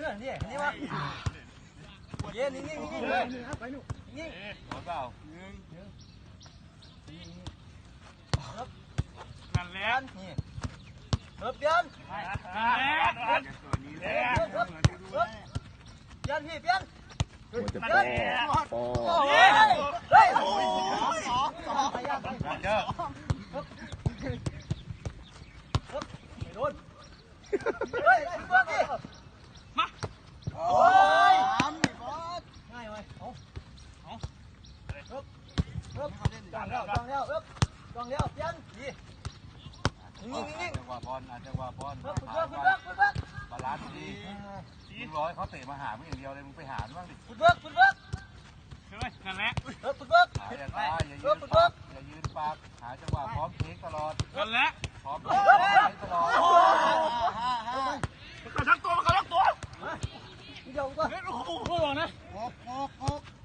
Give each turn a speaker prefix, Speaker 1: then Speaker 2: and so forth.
Speaker 1: น่ะนี่นี่วะเย็นนิ่งๆเลยไปหนูนิ่งหมดเปล่านั่นแหละนี่เริ่มเปลี่ยนตัวนี้แหละเปลี่ยนพี่เปลี่ยน
Speaker 2: จะแพ้โอ้
Speaker 1: เฮ้ยสองเจอไม่โดนเฮ้ยเบิร์ดดิมาโอ้ยง่ายไหมเอาจ้องแล้วเปลี่ยนดีนิ่งจังหวะบอลจังหวะบอลคุณเบิร์ดบาลานซ์ดีมึงร้อยเขาเตะมาหามึงอย่างเดียวเลยมึงไปหาบ้างดิคุณเบิร์ดนั่นแหละคุณเบิร์ดอย่ายืนปากหาจังหวะพร้อมเทคตลอดนั่นแหละพร้อมเทคตลอดมันกระชักตัวเดี๋ยวก่อนโอ้โหนะ